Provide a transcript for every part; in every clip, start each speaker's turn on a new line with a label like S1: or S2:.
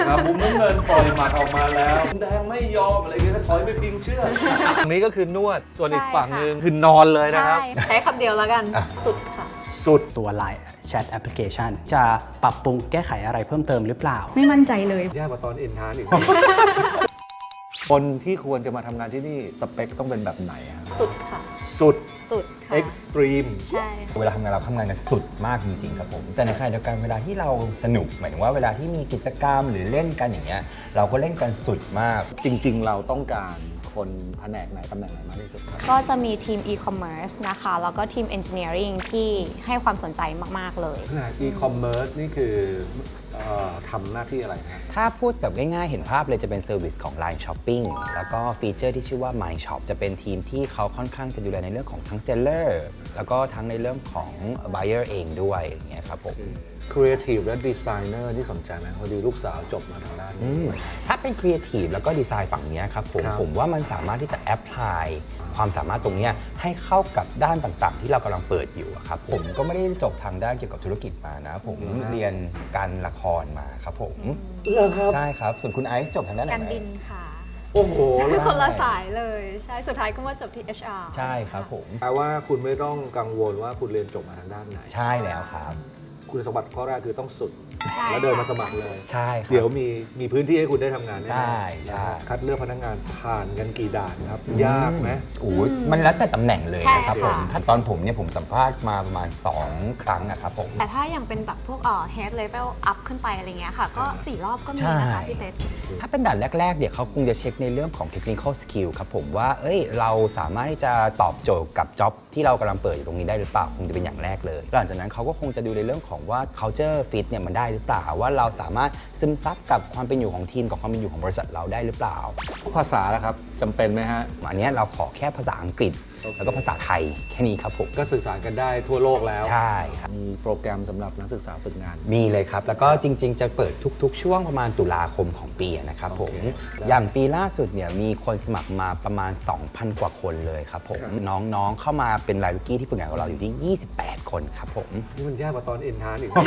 S1: มุมน้ำเงินปล่อยหมัดออกมาแล้วแดงไม่ยอมอะไรเงี้ยถอยไปพิงเชือกฝั่งนี้ก็คือนวดส่วนอีกฝั่งหนึ่งคือนอนเลยนะครับ
S2: ใช้คำเดียวแล้วกันสุดค่ะ
S1: สุด
S3: ตัว Line Chat Application จะปรับปรุงแก้ไขอะไรเพิ่มเติมหรือเปล่า
S4: ไม่มั่นใจเลย
S1: ยากกว่าตอนเอ็นทานอีก คนที่ควรจะมาทำงานที่นี่สเปคต้องเป็นแบบไหนครับ
S2: สุดค่ะ
S1: สุด
S2: สุดค่ะ
S1: extreme
S2: ใช่ค่ะ
S5: เวลาทำงานเราทำงานกันสุดมากจริงๆครับผมแต่ในขณะเดียวกันเวลาที่เราสนุกหมายถึงว่าเวลาที่มีกิจกรรมหรือเล่นกันอย่างเงี้ยเราก็เล่นกันสุดมาก
S1: จริงๆเราต้องการคนแผนกไหนตำแหน่งไหนมากที่สุดครับ
S2: ก็จะมีทีม e-commerce นะคะ แล้วก็ทีม engineering ที่ให้ความสนใจมากๆเลย
S1: แผนก e-commerce นี่คือทำหน้าที่อะไรนะ
S5: ถ้าพูดแบบง่ายๆเห็นภาพเลยจะเป็นเซอร์วิสของ Line Shopping แล้วก็ฟีเจอร์ที่ชื่อว่า My Shop จะเป็นทีมที่เขาค่อนข้างจะดูแลในเรื่องของทั้ง Seller แล้วก็ทั้งในเรื่องของ Buyer เองด้วยอย่างเงี้ยครับผม
S1: Creative และ Designer ที่สนใจไหมพอดีลูกสาวจบมาทางด้านนี้
S5: ถ้าเป็น Creative แล้วก็ดีไซน์ฝั่งเนี้ยครับผม
S1: ครับ
S5: ผมว่ามันสามารถที่จะแอพพลายความสามารถตรงเนี้ยให้เข้ากับด้านต่างๆ ที่เรากำลังเปิดอยู่อะครับผมก็ไม่ได้จบทางด้านเกี่ยวกับธุรกิจมานะผมเรียนการละครมาครับผม
S1: เหรอครับ
S5: ใช่ครับส่วนคุณไอซ์จบทางด้านไหน
S2: การบินค่ะ
S1: โอ้โห
S2: คนละสายเลย ใช่ สุดท้ายก็มาจบที่ HR
S5: ใช่ครับผม
S1: แปลว่าคุณไม่ต้องกังวลว่าคุณเรียนจบมาทางด้านไหน
S5: ใช่แล้วครับ
S1: คุณสมบัติข้อแรกคือต้องสุด
S2: ใช่
S1: แล้วเดินมาสมัครเลย
S5: ใช่ครับ
S1: เดี๋ยวมีพื้นที่ให้คุณได้ทำงานแน่ๆ
S5: ได้ใช่
S1: นะฮะคัดเลือกพนักงานผ่านกันกี่ด่านครับ ยากไหม
S5: โอ้ยมันแล้วแต่ตำแหน่งเลย
S2: ใช่
S5: นะครับผม
S2: ค่ะ
S5: ถ้าตอนผมเนี่ยผมสัมภาษณ์มาประมาณ 2 ครั้งนะครับผม
S2: แต่ถ้าอย่างเป็นแบบพวกhead level up ขึ้นไปอะไรเงี้ยค่ะ ก็ 4 รอบก็มีนะคะ
S5: ใช่
S2: พี่เต้
S5: ถ้าเป็นด่านแรกๆเดี๋ยวเขาคงจะเช็คในเรื่องของ technical skill ครับผมว่าเราสามารถที่จะตอบโจทย์กับ job ที่เรากำลังเปิดอยู่ตรงนี้ได้หรือเปล่าคงจะเป็นอย่างแรกเลยหลังจากนั้นเขาก็คงจะดูในเรื่องของว่า culture fit เนี่ยมันได้หรือเปล่าว่าเราสามารถซึมซับกับความเป็นอยู่ของทีมกับความเป็นอยู่ของบริษัทเราได้หรือเปล่า
S1: ภาษาละครับจำเป็นไหมฮะ
S5: อันเนี้ยเราขอแค่ภาษาอังกฤษ แล้วก็ภาษาไทยแค่นี้ครับผม
S1: ก็สื่อสารกันได้ทั่วโลกแล้ว
S5: ใช่ครับ
S1: มีโปรแกรมสำหรับนักศึกษาฝึกงาน
S5: มีเลยครับ แล้วก็จริงๆ จะเปิดทุกๆ ช่วงประมาณตุลาคมของปีนะครับผม
S1: โอเค
S5: อย่างปีล่าสุดเนี่ยมีคนสมัครมาประมาณ 2,000 กว่าคนเลยครับผม
S1: ครับ
S5: น้องๆ เข้ามาเป็นรายลูกกี้ที่ฝึกงานกับเราอยู่ที่ 28 คนครับผม
S1: นี่มันยากกว่าตอนเอ็นทานอีก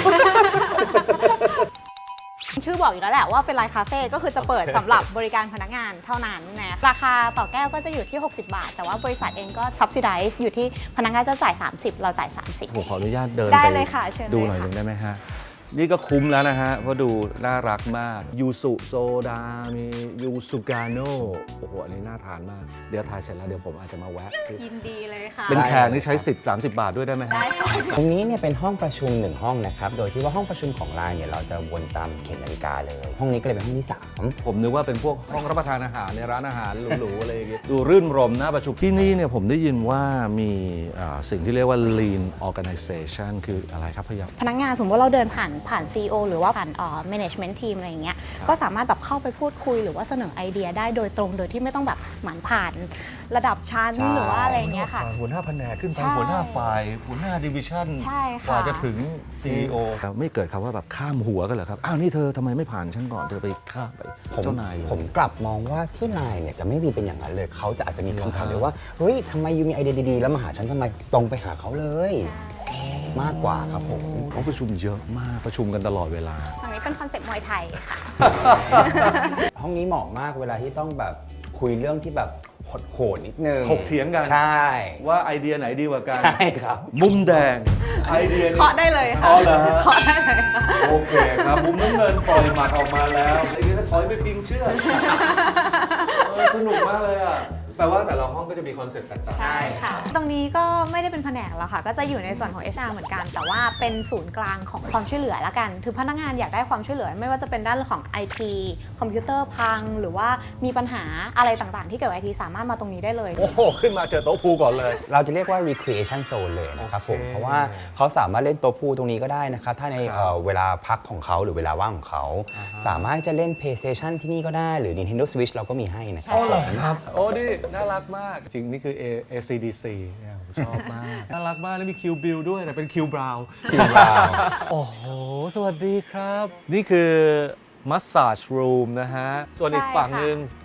S2: ชื่อบอกอยู่แล้วแหละว่าเป็นไลน์คาเฟ่ก็คือจะเปิดสำหรับบริการพนักงานเท่านั้นนะราคาต่อแก้วก็จะอยู่ที่ 60 บาท แต่ว่าบริษัทเองก็ subsidize อยู่ที่พนักงานจะจ่าย 30 เราจ่าย 30
S1: ผมขออนุญาตเดิน
S2: ได้
S1: ไป
S2: เลยค่ะเชิญเลย
S1: ดูหน่อย
S2: ค่ะ
S1: หนึงได้ไหมฮะ นี่ก็คุ้มแล้วนะฮะ เพราะดูน่ารักมาก ยูสุโซดา มียูสุกาโน่โอ้โห อันนี้น่าทานมาก เดี๋ยวถ่ายเสร็จแล้วเดี๋ยวผมอาจจะมาแวะซื้อ
S2: ยินดีเลยค่ะ
S1: เป็นแขกนี่ใช้สิทธิ์30 บาทด้วยได้ไหมฮะ
S2: ได้ค่ะ
S5: ตรงนี้เนี่ยเป็นห้องประชุม1ห้องนะครับ โดยที่ว่าห้องประชุมของไลน์เนี่ยเราจะวนตามเข็มนาฬิกาเลย ห้องนี้ก็เลยเป็นห้องที่ 3
S1: ผมนึกว่าเป็นพวกห้องรับประทานอาหารในร้านอาหารหรูๆอะไรอย่างเงี้ยดูรื่นรมน่าประชุมที่นี่เนี่ยผมได้ยินว่ามีสิ่งที่เรียกว่า lean organization คืออะไรครับพยายาม
S2: พนักงานสมมติเราเดินผ่าน CEO หรือว่าผ่านmanagement team อะไรอย่างเงี้ยก็สามารถแบบเข้าไปพูดคุยหรือว่าเสนอไอเดียได้โดยตรงโดยที่ไม่ต้องแบบหมั่นผ่านระดับชั้น
S5: ใช่
S2: หรือว่าอะไรอย่างเงี้ยค่ะ
S1: หัวหน้าแผนกขึ้นไป
S2: ใช่
S1: หัวหน้าฝ่ายหัวหน้าดิวิชั่น
S2: ใช่ค่ะ
S1: กว่าจะถึง CEO ไม่เกิดคำว่าแบบข้ามหัวกันเหรอครับ อ้าวนี่เธอทำไมไม่ผ่านฉันก่อนเธอไปข้ามไปเจ้านายเลย
S5: ผมกลับมองว่าที่ไลน์เนี่ยจะไม่มีเป็นอย่างนั้นเลย เขาจะอาจจะมีคำถามเลยว่า เฮ้ยทำไมยูมีไอเดียดีๆ แล้วมาหาฉันทำไมตรงไปหาเขาเลย มากกว่าครับผม
S1: เขาประชุมเยอะมากประชุมกันตลอดเวลา
S2: ตรงนี้เป็นคอนเซ็ปต์มวยไทยค่ะ
S5: ห้องนี้เหมาะมากเวลาที่ต้องแบบคุยเรื่องที่แบบโหดๆนิดนึง
S1: ถกเถียงกัน
S5: ใช่
S1: ว่าไอเดียไหนดีกว่ากัน
S5: ใช่ครับ
S1: มุมแดงไอเดียนี้
S2: เคาะได้เลยค่ะ
S1: อ๋อเหรอฮะ
S2: เคาะได้เลยค่ะ
S1: โอเคครับมุมน้ำเงินปล่อยหมัดออกมาแล้วไอ้นี่ก็ถอยไปพิงเชือกสนุกมากเลยอ่ะแปลว่าแต่ละห้องก็จะมีคอนเซ็ปต์แตกต่าง
S2: ใช่ค่ะ ตรงนี้ก็ไม่ได้เป็นแผนกแล้วค่ะ ก็จะอยู่ในส่วนของ HR เหมือนกัน แต่ว่าเป็นศูนย์กลางของความช่วยเหลือละกันถึงพนักงานอยากได้ความช่วยเหลือ ไม่ว่าจะเป็นด้านของ IT คอมพิวเตอร์พัง หรือว่ามีปัญหาอะไรต่างๆ ที่เกี่ยวกับ IT สามารถมาตรงนี้ได้เลย
S1: โอ้โหขึ้นมาเจอโต๊ะพูก่อนเลย
S5: เราจะเรียกว่า recreation zone เลยนะครับผม
S1: โอเค
S5: เพราะว่าเขาสามารถเล่นโต๊ะพูตรงนี้ก็ได้นะครับ ถ้าใน
S1: ครับ
S5: เวลาพักของเขาหรือเวลาว่างของเขา สามารถจะเล่น PlayStation ที่นี่ก็ได้หรือ Nintendo Switch เราก็มีให้นะครับ
S1: ครับโอ้ดิน่ารักมาก จริงนี่คือ ACDC เนี่ยผมชอบมาก น่ารักมาก แล้วมีคิวบิลด้วยแต่เป็นคิวบราวน์
S5: คิวบราวน์
S1: โอ้โห สวัสดีครับ นี่คือ Massage Room นะฮะ ส่วนอีกฝั่งหนึ่ง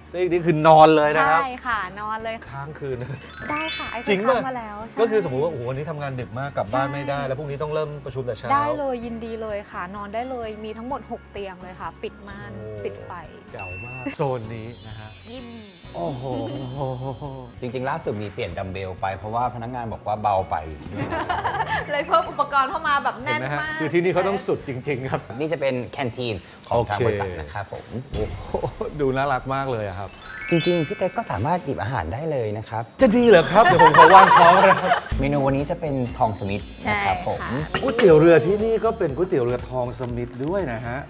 S1: ซีกนี่คือนอนเลยนะครับ
S2: ใช่ค่ะ นอนเลย
S1: ค้างคืน
S2: ได้ค่ะไอ้
S1: จริง
S2: ค้า
S1: ป่ะ
S2: งมาแล้วใช่
S1: ก็คือสมมติว่าโอ้โหวันนี้ทำงานดึกมากกลับบ้าน
S2: ใช่
S1: ไม่ได้ แล้วพรุ่งนี้ต้องเริ่มประชุมแต่เช้า
S2: ได้เลยยินดีเลยค่ะ นอนได้เลยมีทั้งหมด 6 เตียงเลยค่ะ ปิดม่าน
S1: โอ้
S2: ปิดไฟ
S1: เจ๋วมากโซนนี้นะฮะ
S2: ยิ้ม
S1: โอ้โห
S5: จริง ๆ ล่าสุดมีเปลี่ยนดัมเบลไปเพราะว่าพนักงานบอกว่าเบาไป
S2: เลยเพิ่มอุปกรณ์เข้ามาแบบ
S1: เห็
S2: แน่
S1: น
S2: น
S1: ไหมฮะ
S2: มาก
S1: คือที่นี่เขาต้องสุดจริง ๆ ครับ
S5: นี่จะเป็นแคนทีนของทาง
S1: โอเค
S5: บริษัทนะครับผม
S1: โอ้โหดูน่ารักมากเลยอะครับ
S5: จริง ๆ พี่เต้ก็สามารถหยิบอาหารได้เลยนะครับ
S1: จะดีเหรอครับ เดี๋ยวผมขอวางท้องนะครับ
S5: เมนูวันนี้จะเป็นทองสมิธนะครับผม
S1: ก๋วยเตี๋ยวเรือที่นี่ก็เป็นก๋วยเตี๋ยวเรือทองสมิธด้วยนะฮะ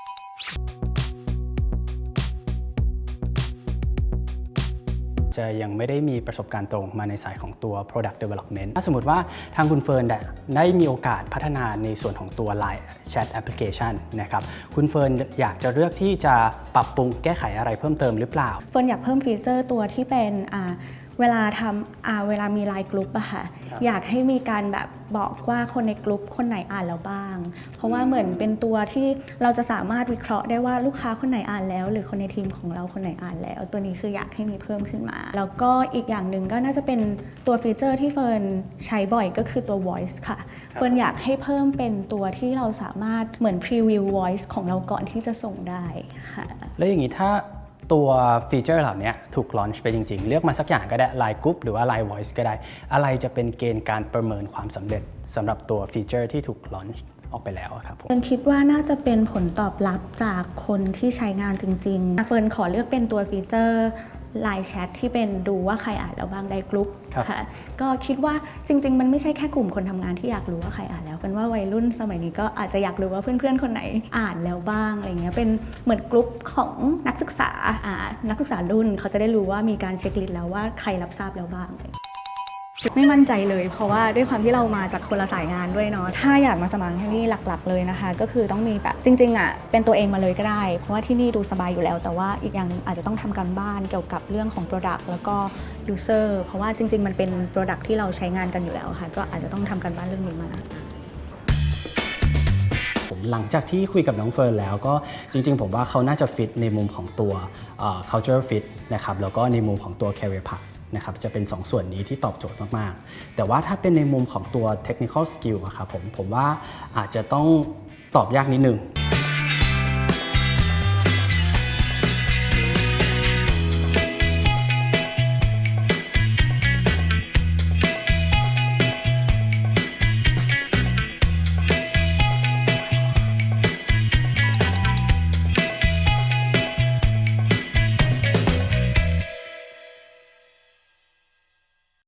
S3: จะยังไม่ได้มีประสบการณ์ตรงมาในสายของตัว product development ถ้าสมมติว่าทางคุณเฟิร์นได้มีโอกาสพัฒนาในส่วนของตัว Line Chat Application นะครับคุณเฟิร์นอยากจะเลือกที่จะปรับปรุงแก้ไขอะไรเพิ่มเติมหรือเปล่า
S4: เฟิร์นอยากเพิ่มฟีเจอร์ตัวที่เป็นเวลาทำเวลามีไลน์กลุ่มอะค่ะ อยากให้มีการแบบบอกว่าคนในกลุ่มคนไหนอ่านแล้วบ้าง เพราะว่าเหมือนเป็นตัวที่เราจะสามารถวิเคราะห์ได้ว่าลูกค้าคนไหนอ่านแล้ว หรือคนในทีมของเราคนไหนอ่านแล้ว ตัวนี้คืออยากให้มีเพิ่มขึ้นมา แล้วก็อีกอย่างหนึ่งก็น่าจะเป็นตัวฟีเจอร์ที่เฟิร์นใช้บ่อยก็คือตัว voice ค่ะ เฟิร์นอยากให้เพิ่มเป็นตัวที่เราสามารถเหมือน preview voice ของเราก่อนที่จะส่งได้ค่ะ
S3: แล้วอย่างนี้ถ้าตัวฟีเจอร์เหล่านี้ถูกลอนช์ไปจริงๆ เลือกมาสักอย่างก็ได้ Line Group หรือว่า Line Voice ก็ได้ อะไรจะเป็นเกณฑ์การประเมินความสำเร็จสำหรับตัวฟีเจอร์ที่ถูกลอนช์ออกไปแล้วอะครับผม
S4: เฟิร์นคิดว่าน่าจะเป็นผลตอบรับจากคนที่ใช้งานจริงๆ เฟิร์นขอเลือกเป็นตัวฟีเจอร์ Line Chat ที่เป็นดูว่าใครอ่านแล้วบ้างได้กรุ๊ป
S3: ครับ
S4: ค่ะก็คิดว่าจริงๆ มันไม่ใช่แค่กลุ่มคนทำงานที่อยากรู้ว่าใครอ่านแล้วเป็นว่าวัยรุ่นสมัยนี้ก็อาจจะอยากรู้ว่าเพื่อนๆ คนไหนอ่านแล้วบ้างอะไรเงี้ยเป็นเหมือนกลุ่มของนักศึกษานักศึกษารุ่นเขาจะได้รู้ว่ามีการเช็คลิสต์แล้วว่าใครรับทราบแล้วบ้างไม่มั่นใจเลยเพราะว่าด้วยความที่เรามาจากคนละสายงานด้วยเนาะถ้าอยากมาสมัครที่นี่หลักๆเลยนะคะก็คือต้องมีแบบจริงๆเป็นตัวเองมาเลยก็ได้เพราะว่าที่นี่ดูสบายอยู่แล้วแต่ว่าอีกอย่างหนึงอาจจะต้องทำการบ้านเกี่ยวกับเรื่องของ Product แล้วก็ User เพราะว่าจริงๆมันเป็น Product ที่เราใช้งานกันอยู่แล้วค่ะก็อาจจะต้องทำการบ้านเรื่องนี้มา
S3: ผมหลังจากที่คุยกับน้องเฟิร์นแล้วก็จริงๆ ผมว่าเขาน่าจะฟิตในมุมของตัว culture fit นะครับแล้วก็ในมุมของตัว career path นะครับจะเป็น 2 ส่วนนี้ที่ตอบโจทย์มากๆ แต่ว่าถ้าเป็นในมุมของตัว technical skill อะครับผมว่าอาจจะต้องตอบยากนิดนึง